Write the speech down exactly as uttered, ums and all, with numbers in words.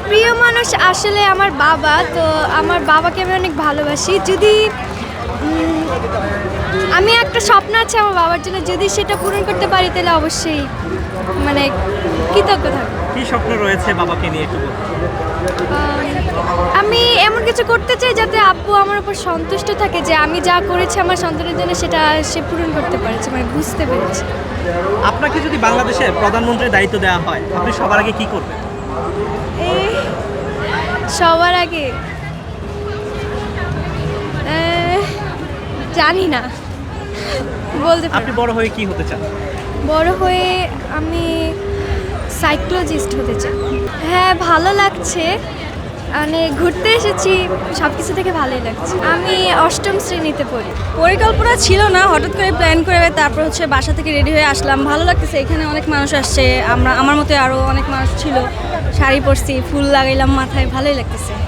প্রিয় মানুষ আসলে আমার বাবা। তো আমার বাবাকে আমি অনেক ভালোবাসি। যদি উম, আমি একটা স্বপ্ন আছে আমার বাবার জন্য, যদি সেটা পূরণ করতে পারি তাহলে অবশ্যই মানে কৃতজ্ঞ থাকবো। কি স্বপ্ন রয়েছে বাবাকে নিয়ে একটু বলুন। আম, আমি এমন কিছু করতে চাই যাতে আব্বু আমার উপর সন্তুষ্ট থাকে, যে আমি যা করেছি আমার সন্তানের জন্য সেটা সে পূরণ করতে পেরেছে, মানে বুঝতে পেরেছে। আপনাকে যদি বাংলাদেশের প্রধানমন্ত্রীর দায়িত্ব দেওয়া হয় আপনি সবার আগে কি করবেন? এই সবার আগে আহ, জানি না, বলতে আপনি পারি। বড় হয়ে কি হতে চান? বড় হয়ে আমি সাইকোলজিস্ট হতে চাই। হ্যাঁ, ভালো লাগছে, মানে ঘুরতে এসেছি, সব কিছু থেকে ভালোই লাগছে। আমি অষ্টম শ্রেণীতে পড়ি। পরিকল্পনা ছিল না, হঠাৎ করে প্ল্যান করে তারপর হচ্ছে বাসা থেকে রেডি হয়ে আসলাম। ভালো লাগতেছে, এখানে অনেক মানুষ আসছে, আমরা আমার মতো আরও অনেক মানুষ ছিল। শাড়ি পরছি, ফুল লাগাইলাম মাথায়, ভালোই লাগতেছে।